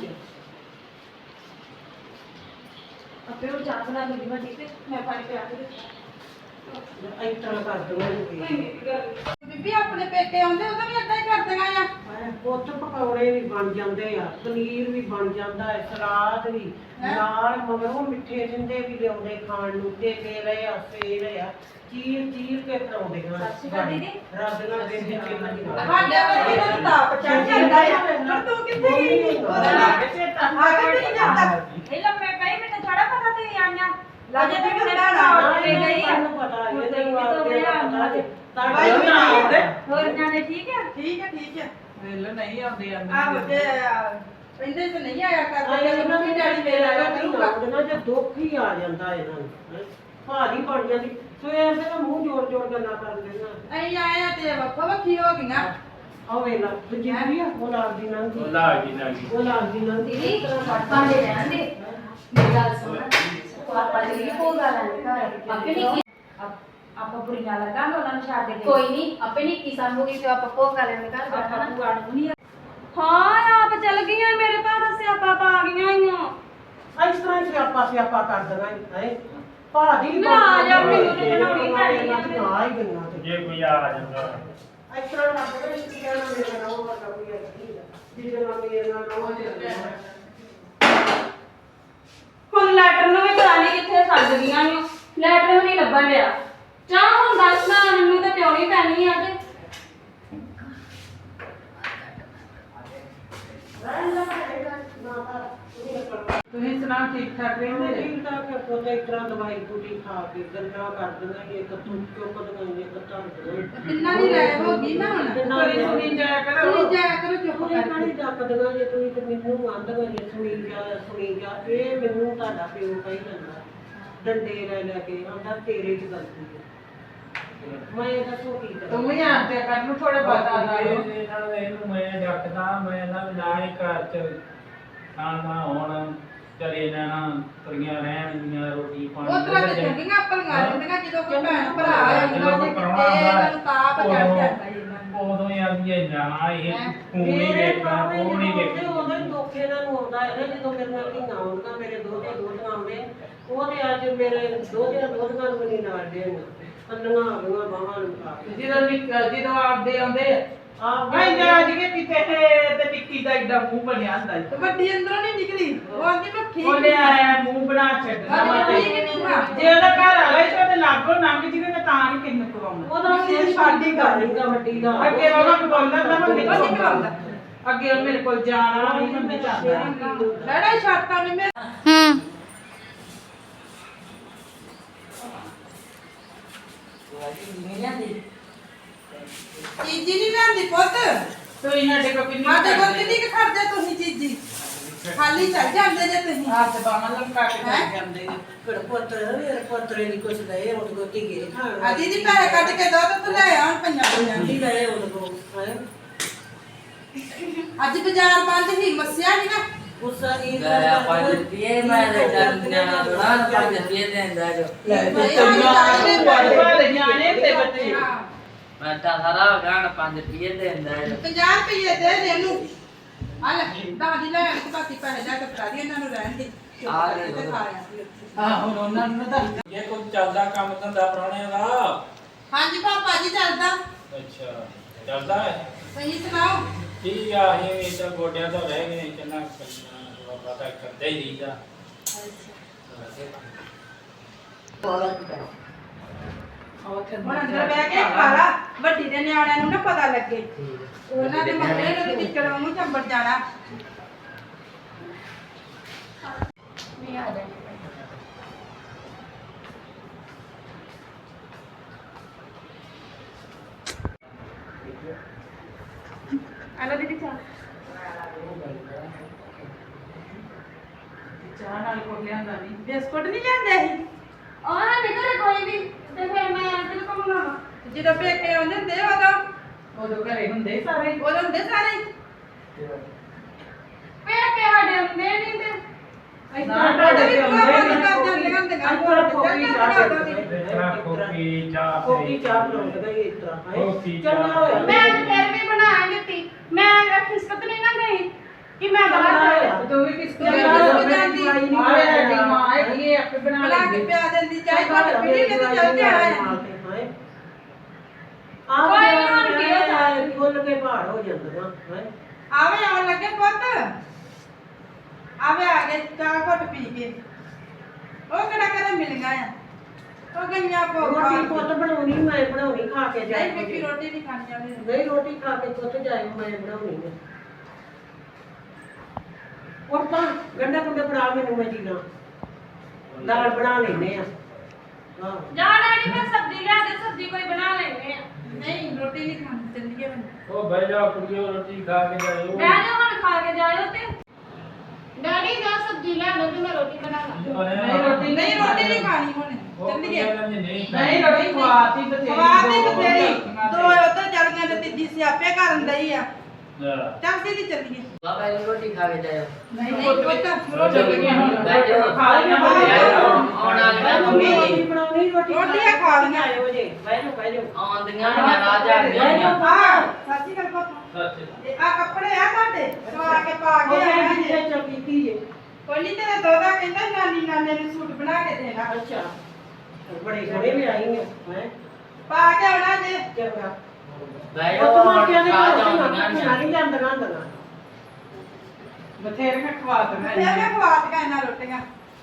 S2: ਆਪੇ ਉਹ ਚਾਹ ਬਣਾ ਲਈ ਵੱਡੀ ਤੇ ਮੈਂ ਪਾਣੀ ਪਿਆ ਕੇ ਇਸ ਤਰ੍ਹਾਂ ਕਰ ਦਵਾਂਗੀ
S4: ਬੀਬੀ ਆਪਣੇ ਪੇਕੇ ਆਉਂਦੇ ਉਹਦਾ ਵੀ ਏਦਾਂ ਹੀ ਕਰਦੀਆਂ ਆ
S2: ਪੁੱਤ ਪਕੌੜੇ ਵੀ ਬਣ ਜਾਂਦੇ ਆ ਪਨੀਰ ਵੀ ਬਣ ਜਾਂਦਾ ਹੈ ਸਲਾਦ ਵੀ ਨਾਲ ਮਗਰੋਂ ਮਿੱਠੇ ਜਿੰਦੇ ਵੀ ਲਿਆਉਂਦੇ ਖਾਣ ਨੂੰ ਤੇ ਰਹੇ ਆ ਸੇਲ ਆ ਚੀਰ ਕੇ ਖਰਾਉਂਦੇ ਆਂ ਰਾਧਨਾ ਦੇ ਵਿੱਚ
S4: ਸਾਡੇ ਵਰਗੇ ਨੂੰ ਤਾਪ ਚੜ ਜਾਂਦਾ ਆ ਪਰ ਤੂੰ ਕਿੱਥੇ ਗਈ ਉਹਦਾ ਲੱਗ ਚੇਤਾ ਆ ਕੇ ਨਹੀਂ ਜਾਂਦਾ ਇਹ ਲੰਮੇ ਪਈ ਮੈਨੂੰ ਥੋੜਾ ਪਤਾ ਤੇ ਆਈਆਂ ਲਾਜੇ ਤੇ ਕਿਹੜਾ ਰਾਤ ਤੇ ਗਈ ਆ
S2: ਤੁਹਾਨੂੰ ਪਤਾ ਇਹਦੇ ਵਾਸਤੇ ਪਤਾ ਜੇ
S4: ਹੋਰ ਜਾਨੇ ਠੀਕ ਹੈ
S5: ਵੇਲੇ ਨਹੀਂ ਆਉਂਦੇ
S4: ਆਹੋ ਤੇ ਕਹਿੰਦੇ ਤੇ ਨਹੀਂ ਆਇਆ ਕਰਦੇ
S2: ਇਹਨਾਂ ਦੀ ਡੈਡੀ ਮੇਰਾ ਕਰੂਗਾ ਜੇ ਦੁੱਖ ਹੀ ਆ ਜਾਂਦਾ ਇਹਨਾਂ ਨੂੰ ਭਾਰੀ ਬਣ ਜਾਂਦੀ ਸਵੇਰ ਦੇ ਮੂੰਹ ਜੋੜ ਗੱਲਾਂ ਕਰ ਲੈਣਾ
S4: ਅਸੀਂ ਆਏ ਆ ਤੇ ਵੱਖੋ ਵੱਖੀ ਹੋ ਗਈਆਂ
S2: ਆ ਵੇਲਾ ਜਿੰਨੀ ਆ ਉਹ ਲੱਗਦੀ ਨਾ
S1: ਉਹ ਲਾ ਗਈ
S2: ਉਹ ਲੱਗਦੀ ਨਾ
S3: ਦੀਦੀ ਭਾਂਡੇ ਰਹਿਣ ਦੇ ਮੇਰੀ ਗੱਲ ਸੁਣ ਪਾਪਾ ਜੀ ਕੋ ਗੱਲ ਹੈ ਆਪੇ ਨਹੀਂ
S4: ਆਪਾਂ ਬੁਰੀਆਂ ਲੱਗਾਂਗੇ ਉਹਨਾਂ ਨੂੰ ਛੱਡ ਕੇ
S3: ਕੋਈ ਨਹੀਂ ਆਪੇ ਨਹੀਂ ਕੀ ਸੰਭੂਗੀ ਤੇ ਆਪਾਂ ਕੋ ਗੱਲ ਨਹੀਂ ਕਰ
S4: ਆਪਾਂ ਪੁਆੜ ਨਹੀਂ ਹਾਂ ਆਪ ਚੱਲ ਗਈਆਂ ਮੇਰੇ ਪਾਸ ਸਿਆਪਾ ਪਾ ਗਈਆਂ ਹੀ
S2: ਇਸ ਤਰ੍ਹਾਂ ਹੀ ਸਿਆਪਾ ਕਰ ਦੇਣਾ ਹੈ ਭਾਦੀ
S4: ਨਾ ਆ ਜਾ ਮੈਨੂੰ ਤੇ ਬਣਾਉਣੀ ਪੈਣੀ ਆ
S2: ਆ ਹੀ ਗਈਆਂ ਤੇ
S1: ਜੇ ਕੋਈ ਆ ਜਾਂਦਾ
S2: ਇਸ ਤਰ੍ਹਾਂ ਲੱਗਦਾ ਕਿ ਕਹਿਣਾ ਮੇਰੇ ਨਾਲ ਉਹ ਵਰਗਾ ਕੋਈ ਹੈ ਜਿਹਦੇ ਨਾਲ ਮੇਰੇ ਨਾਲ ਉਹ ਚੱਲਦਾ
S4: ਹੁਣ ਲੈਟਰ ਨੂੰ ਵੀ ਪਤਾ ਨਹੀਂ ਕਿੱਥੇ ਛੱਡ ਗਈਆਂ ਨੇ ਲੈਟਰ ਵੀ ਨਹੀਂ ਲੱਭਣ ਡਿਆ ਚਾਹ ਹੁਣ ਦੱਸ ਨਾ ਮੈਨੂੰ ਤਾਂ ਪਿਉਣੀ ਪੈਣੀ ਆ ਤੇ
S5: ਤੁਸੀਂ ਸੁਣਾ ਠੀਕ ਠਾਕ ਰਹਿੰਦੇ ਜੀ?
S2: ਠੀਕ ਠਾਕ ਹੈ ਪੋਤੇ ਇਸ ਤਰ੍ਹਾਂ ਦਵਾਈ ਬੂਟੀ ਖਾ ਕੇ ਗੱਲਾਂ ਕਰ ਦਿੰਦਾ ਕਿ ਇੱਕ ਤੂੰ ਚੁੱਕ ਦਵਾਈਏ ਕੱਟਾਂ ਦੇ
S4: ਕਿੰਨਾ ਦੀ ਰਾਇ ਹੋ ਗਈ ਨਾ ਹੁਣ
S5: ਕੋਈ ਸੁਣੀ ਜਾਇਆ ਕਰੋ
S4: ਸੁਣੀ ਜਾਇਆ ਕਰੋ ਚੁੱਪ
S2: ਕੋਈ ਕਾਹਦੀ ਡੱਕ ਦਗਾ ਜੇ ਤੁਸੀਂ ਤੇ ਮੈਨੂੰ ਆਂਦਗਾ ਜੇ ਸੁਣੀ ਜਾ ਇਹ ਮੈਨੂੰ ਤੁਹਾਡਾ ਪਿਓ ਕਹੀ ਜਾਂਦਾ ਡੰਡੇ ਲੈ ਕੇ ਆਂਦਾ ਤੇਰੇ ਚ ਗਲਤੀ ਹੈ ਮੈਂ ਦੱਸੋ ਕੀ ਕਰਾਂ
S5: ਤੂੰ ਵੀ ਆਂਦੇ ਕਰ ਨੂੰ ਥੋੜੇ ਬਤਾ ਦਿਓ
S1: ਇਹਨੂੰ ਮੈਂ ਡੱਕਦਾ ਮੈਂ ਨਾ ਨਾ ਹੀ ਘਰ ਚ ਖਾਣਾ ਹੁਣ ਚਲੇ ਜਾਣਾ ਤੁਰੀਆਂ ਰਹਿਣਗੀਆਂ ਰੋਟੀ ਪਾਣੀ
S4: ਉਹ ਤਰ੍ਹਾਂ ਤੇ ਚੰਗੀਆਂ ਪਲੀਆਂ ਰਹਿੰਦੀਆਂ ਜਦੋਂ ਕੋਈ ਭੈਣ ਭਰਾ ਆ ਜਾਂਦਾ ਤੇ ਕਿਤੇ ਤਾਪ ਚੜ ਜਾਂਦਾ ਇਹਨਾਂ ਨੂੰ
S1: ਉਦੋਂ ਹੀ ਆਂਦੀਆਂ ਨਾ ਇਹ ਖੂਨ ਹੀ ਵੇਖਣਾ ਉਹ ਨਹੀਂ ਵੇਖਣਾ
S2: ਉਹਦੇ ਦੁੱਖ ਇਹਨਾਂ ਨੂੰ ਆਉਂਦਾ ਹੈ ਨਾ ਜਦੋਂ ਮੇਰੇ ਨਾਲ ਧੀਆਂ ਆਉਂਦੀਆਂ ਮੇਰੇ ਦੋਹਤੀਆਂ ਆਉਂਦੇ ਉਹ ਤੇ ਅੱਜ ਮੇਰੇ ਦੋਹਤੀਆਂ ਨੂੰ ਵੀ ਨਹੀਂ ਨਾਲ ਦੇਣ ਕੰਨਾਂ ਆ ਗਈਆਂ ਬਾਹਾਂ ਨੂੰ ਖਾ ਕੇ
S5: ਜਦੋਂ ਆਪਦੇ ਆਉਂਦੇ
S2: ਆਪ
S5: ਭਾਈ ਜਾ ਜਿਹੇ ਕਿਤੇ ਤੇ ਟਿੱਕੀ ਦਾ ਏਡਾ ਮੂੰਹ ਬਣਿਆ ਹੁੰਦਾ
S4: ਤੇ ਵੱਡੀ ਅੰਦਰੋਂ ਨਹੀਂ ਨਿਕਲੀ ਉਹ ਆਂਦੀ ਮੈਂ ਠੀਕ
S5: ਉਹ ਲੈ ਆਇਆ ਮੂੰਹ ਬਣਾ ਛੱਡਣਾ ਵਾ ਤੇ
S4: ਠੀਕ ਨਹੀਂ ਹਾਂ
S5: ਜੇ ਉਹਦਾ ਘਰ ਵਾਲਾ ਹੀ ਤੇ ਉਹਦੇ ਲਾਗੋਂ ਲੰਘ ਜਿਵੇਂ ਮੈਂ ਤਾਂ ਨਹੀਂ ਕਿੰਨ ਕਵਾਉਣਾ
S2: ਉਹਦਾ ਵੀ ਸਾਡੀ ਗੱਲ ਹੀ ਵੱਡੀ ਦਾ
S5: ਅੱਗੇ ਉਹਦਾ ਬੋਲਦਾ ਤਾਂ ਮੈਂ
S4: ਉਹ ਨਹੀਂ ਕਰਾਉਂਦਾ
S5: ਅੱਗੇ ਉਹ ਮੇਰੇ ਕੋਲ ਜਾਣਾ ਨਹੀਂ ਮੰਮੀ ਜਾਂਦਾ ਲੜਾ ਛੱਡਤਾ ਨੇ ਮੈਂ
S6: ਚੀਜ਼ੀ ਨਹੀਂ ਲੈਂਦੀ ਪੁੱਤ
S5: ਤੁਸੀਂ ਸਾਡੇ ਕੋਲ ਕਿੰਨੀ
S6: ਸਾਡੇ ਕੋਲ ਕਿੰਨੀ ਕੁ ਖਰਚੇ ਤੁਸੀਂ ਚੀਜ਼ੀ ਖਾਲੀ ਚੱਲ ਜਾਂਦੇ ਜੇ ਤੁਸੀਂ
S5: ਹੱਥ ਬਾਹਾਂ ਲਮਕਾ ਕੇ ਚੱਲ ਜਾਂਦੇ ਨੇ
S2: ਫਿਰ ਪੁੱਤਰੇ ਨਹੀਂ ਕੁਛ ਦਏ ਉਹ ਕੋ ਧੀਏ ਖਾਣ
S6: ਆ ਦੀਦੀ ਪੈਸੇ ਕੱਢ ਕੇ ਦੋ ਤੇ ਤੂੰ ਲੈ ਆਉਣ ਪੰਜਾਂ
S2: ਨਹੀਂ ਦਏ ਉਹ ਕੋ ਹੈ
S6: ਅੱਜ ਬਾਜ਼ਾਰ ਬੰਦ ਸੀ ਮੱਸਿਆ ਨਹੀਂ ਨਾ
S2: ਗੁੱਸਾ ਨਹੀਂ
S7: ਲੈ 5 ਰੁਪਏ ਮੈਂ ਦੇ ਨਿਆਣਾ ਥੋੜਾ 5 ਰੁਪਏ ਦੇਂਦਾ ਜੋ
S5: ਨਿਆਣੇ ਤੇ ਬੱਚੇ
S7: ਮੈਂ ਤਾਂ ਸਾਰਾ ਗਾਣ 5 ਰੁਪਏ ਦੇਂਦਾ ਜੋ
S6: 50 ਰੁਪਏ ਦੇ ਦੇ ਇਹਨੂੰ ਆ ਲੈ ਦਾਦੀ ਲੈ ਕੇ ਬਾਕੀ ਪੈਸੇ ਲੈ ਕੇ ਫੜਾ ਦੀ ਇਹਨਾਂ ਨੂੰ ਰਹਿਣ ਦੇ
S7: ਆ ਲੈ
S6: ਤੇ ਖਾ ਆ
S5: ਹਾਂ ਹੁਣ ਉਹਨਾਂ ਨੂੰ ਤਾਂ
S1: ਇਹ ਕੋਈ ਚੱਲਦਾ ਕੰਮ ਧੰਦਾ ਪ੍ਰਾਹੁਣਿਆਂ ਦਾ
S6: ਹਾਂਜੀ ਪਾਪਾ ਜੀ ਚੱਲਦਾ
S1: ਅੱਛਾ ਚੱਲਦਾ ਹੈ
S6: ਤੁਸੀਂ ਸੁਣਾਓ
S1: ਠੀਕ ਆ ਇਹ ਤਾਂ ਗੋਡਿਆਂ ਤੋਂ ਰਹਿ ਗਏ ਕਿੰਨਾ ਪਤਾ ਕਰਦੇ ਹੀ ਰਹੀਦਾ
S6: ਹੁਣ ਅੰਦਰ ਬਹਿ ਕੇ ਖਾਲਾ ਵੱਡੀ ਦੇ ਨਿਆਣਿਆਂ ਨੂੰ ਨਾ ਪਤਾ ਲੱਗੇ ਉਹਨਾਂ ਦੇ ਮੱਥੇ ਨੂੰ ਟਿੱਚੜ ਨੂੰ ਚੰਬੜ ਜਾਣਾ
S3: ਆਲੋ ਦੀਦੀ ਚਾਹ
S5: ਚਾਹ ਨਾਲ ਕੋਲ ਲਿਆਂਦਾ ਨਹੀਂ
S6: ਬਿਸਕੁਟ ਨਹੀਂ ਜਾਂਦੇ ਸੀ
S3: ਉਹਨਾਂ ਦੇ ਘਰੇ ਕੋਈ ਵੀ ਤੇ ਫਿਰ ਮੈਂ ਦਿਲ ਕੋ ਮੰਗਾਵਾ
S6: ਜਦੋਂ ਪੇਕੇ ਆਉਂਦੇ ਹੁੰਦੇ
S5: ਉਦੋਂ ਘਰੇ ਹੁੰਦੇ ਸਾਰੇ
S6: ਉਦੋਂ ਹੁੰਦੇ ਸਾਰੇ
S3: ਫਿਰ ਕੇ ਸਾਡੇ ਹੁੰਦੇ ਨਹੀਂ ਤੇ
S6: ਤੁਹਾਡੇ ਵੀ ਪ੍ਰੋਗਰਾਮ ਕਰ ਜਾਂਦੇ ਹੁੰਦੇ
S1: ਕੋਕੀ ਚਾਹ
S2: ਕੋਕੀ ਚਾਹ ਬਣਾਉਂਦਾ ਹੀ ਇਸ ਤਰ੍ਹਾਂ
S1: ਕੋਕੀ
S2: ਹੈ ਚੰਗਾ ਹੋਇਆ
S3: ਮੈਂ ਫਿਰ ਵੀ ਬਣਾ ਦਿੱਤੀ ਮੈਂ ਖਿਸਕਤ ਨਹੀਂ ਨਾ ਗਈ ਕਿ ਮੈਂ ਬਾਹਰ
S5: ਤੂੰ ਵੀ ਕਿਸ
S6: ਜਾਂਦੀ
S5: ਆਵੇ ਸਾਡੀ ਮਾਂ ਹੈਗੀ ਇਹ ਆਪੇ ਬਣਾ
S6: ਬਣਾ ਕੇ
S5: ਲੈਂਦੀ
S6: ਪਿਆ ਦਿੰਦੀ ਚਾਹ ਘੱਟ ਪੀਣੀ ਤੇ ਚੱਲ ਜਾਣਾ ਹੈ
S2: ਕੋਈ ਨਹੀਂ ਹੁਣ ਕੀ ਹੋਇਆ ਖੁੱਲ ਕੇ ਪਹਾੜ ਹੋ ਜਾਂਦਾ ਹੈ
S6: ਆਵੇ ਆਉਣ ਲੱਗੇ ਪੁੱਤ ਆਵੇ ਆ ਗਏ ਚਾਹ ਘੱਟ ਪੀ ਕੇ ਉਹ ਕਿਹੜਾ ਕਦੇ ਮਿਲ ਗਿਆ ਆ ਉਹ ਗਈਆਂ
S2: ਰੋਟੀ ਪੁੱਤ ਬਣਾਉਣੀ ਮੈਂ ਬਣਾਉਣੀ ਖਾ ਕੇ
S6: ਨਹੀਂ
S2: ਜਾਏ
S6: ਮਿੱਠੀ ਰੋਟੀ ਨਹੀਂ ਖਾਣੀ ਜਾਂਦੀ
S2: ਨਹੀਂ ਰੋਟੀ ਖਾ ਕੇ ਪੁੱਤ ਜਾਏ ਮੈਂ ਬਣਾਉਣੀ ਹੈ ਔਰ ਤਾਂ ਗੰਡਾ ਗੁੰਡਾ ਬਣਾ ਮੈਨੂੰ ਮੈਂ ਜੀਣਾ ਦਾਲ ਬਣਾ ਲੈਨੇ ਆ ਹਾਂ
S3: ਜਾ ਡੈਡੀ ਮੈਂ ਸਬਜ਼ੀ ਲਿਆ ਦੇ ਸਬਜ਼ੀ ਕੋਈ ਬਣਾ ਲੈਨੇ ਆ
S6: ਨਹੀਂ ਰੋਟੀ ਨਹੀਂ ਖਾਣੀ ਚੱਲੀਏ ਹੁਣ
S1: ਉਹ ਬਹਿ ਜਾ ਕੁੜੀਓ ਰੋਟੀ ਖਾ ਕੇ ਜਾਇਓ
S3: ਮੈਂ ਜੋ ਹੁਣ ਖਾ ਕੇ ਜਾਇਓ ਤੇ ਡੈਡੀ ਜਾ ਸਬਜ਼ੀ ਲਿਆ ਦੋ ਤੇ ਮੈਂ ਰੋਟੀ ਬਣਾ ਲਾਂ
S5: ਨਹੀਂ ਰੋਟੀ
S6: ਨਹੀਂ ਰੋਟੀ ਨਹੀਂ ਖਾਣੀ ਹੁਣ ਚੱਲੀਏ
S5: ਨਹੀਂ ਰੋਟੀ ਖਵਾਤੀ ਬਥੇਰੀ
S6: ਖਵਾਤੀ ਬਥੇਰੀ ਦੋ ਉੱਧਰ ਚੜ ਗਈਆਂ ਤੇ ਤੀਜੀ ਸਿਆਪੇ ਕਰਨ ਦਈ ਆ ਚੱਲ ਦੀਦੀ ਚੱਲੀਏ
S7: ਬਾਬਾ ਇਹ ਰੋਟੀ ਖਾ ਕੇ ਜਾਇਓ
S6: ਨਹੀਂ ਪੁੱਤ
S5: ਚੱਲੀਏ ਹੁਣ
S7: ਬਹਿ ਜਾਓ
S5: ਖਾ ਲਈਆਂ
S7: ਆਉਣ ਵਾਲੀਆਂ ਮੰਮੀ
S2: ਰੋਟੀ ਬਣਾਉਣੀ
S6: ਰੋਟੀਆਂ ਖਾ ਲਈਆਂ
S2: ਆਇਓ ਜੇ ਬਹਿ ਜਾਓ
S7: ਆਉਂਦੀਆਂ ਨੇ ਰਾਜ ਆ ਗਈਆਂ
S6: ਹਾਂ ਸਾਚੀ ਗੱਲ ਪੁੱਤ ਇਹ ਆ ਕੱਪੜੇ ਆ ਤੁਹਾਡੇ ਸਵਾ ਕੇ ਪਾ ਕੇ ਆਇਆ ਜੇ
S2: ਕਿੱਥੇ ਚੱਲ ਕੀਤੀ ਜੇ
S6: ਕੋਈ ਨਹੀਂ ਤੇਰਾ ਦੋਦਾ ਕਹਿੰਦਾ ਨਾਨੀ ਨਾਨੇ ਨੂੰ ਸੂਟ ਬਣਾ ਕੇ ਦੇਣਾ
S2: ਅੱਛਾ ਬੜੇ ਘਰੇ ਵੀ ਆਈ ਹੈ
S6: ਪਾ ਕੇ ਆਉਣਾ ਜੇ
S2: ਚੰਗਾ
S7: ਬਹਿ
S2: ਉਹ
S7: ਜਾਓ
S2: ਤਾਂ ਕਿਹਾ
S7: ਰਾਜ
S2: ਨਹੀਂ
S7: ਆਉਂਦੀਆਂ ਨੇ
S2: ਨਹੀਂ ਜਾਂਦੀਆਂ ਹੁੰਦੀਆਂ
S5: ਬਥੇਰੀਆਂ ਖਵਾਤ ਮੈਂ
S6: ਫੇਰ ਮੈਂ ਖਵਾਤ ਕੇ ਇਹਨਾਂ ਰੋਟੀਆਂ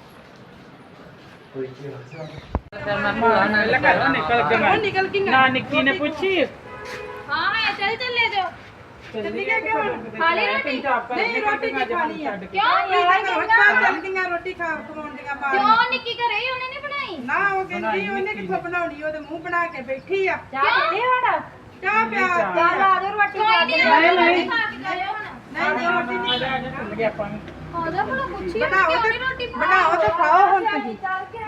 S7: ਫਿਰ ਮੈਂ ਭੂਆ ਨਾਲ
S5: ਨਿਕਲ ਕੇ
S6: ਉਹ ਨਿਕਲ ਕੇ
S5: ਨਾ ਨਿੱਕੀ ਨੇ ਪੁੱਛੀ
S3: ਹਾਂ ਮੈਂ ਚੱਲੇ ਜਾਓ
S6: ਚੱਲੀ ਗਿਆ ਕਿ ਹੁਣ
S3: ਖਾਲੀ ਰੋਟੀ
S6: ਨਹੀਂ ਰੋਟੀ ਨਹੀਂ ਖਾਣੀ ਆ
S3: ਕਿਉਂ
S6: ਇਹ
S3: ਇਹ
S6: ਤਾਂ ਘਰੋਂ ਚੱਲ ਗਈਆਂ ਰੋਟੀ ਖਾ ਖਵਾਉਂਦੀਆਂ ਬਾਹਰ
S3: ਕਿਉਂ ਨਿੱਕੀ ਘਰੇ ਹੀ ਉਹਨੇ ਨਹੀਂ ਬਣਾਈ
S6: ਨਾ ਉਹ ਕਹਿੰਦੀ ਉਹਨੇ ਕਿੱਥੋਂ ਬਣਾਉਣੀ ਉਹਦੇ ਮੂੰਹ ਬਣਾ ਕੇ ਬੈਠੀ ਆ
S3: ਚਾਹ ਪੀਣੀ ਹੁਣ
S6: ਚਾਹ ਪਿਆ
S3: ਚੱਲ ਆ ਜਾਓ ਰੋਟੀ ਖਾ ਕੇ ਨਹੀਂ ਖਾ ਕੇ ਜਾਇਓ ਹੁਣ
S6: ਨਹੀਂ ਰੋਟੀ ਨਹੀਂ
S5: ਚੱਲ ਗਿਆ ਆਪਾਂ
S3: ਆਜਾ ਭਲਾ ਪੁੱਛੀ
S6: ਬਣਾਓ ਤੇ ਬਣਾਓ ਤੇ ਖਾਓ ਹੁਣ ਤੁਸੀਂ
S3: ਚੱਲ ਕੇ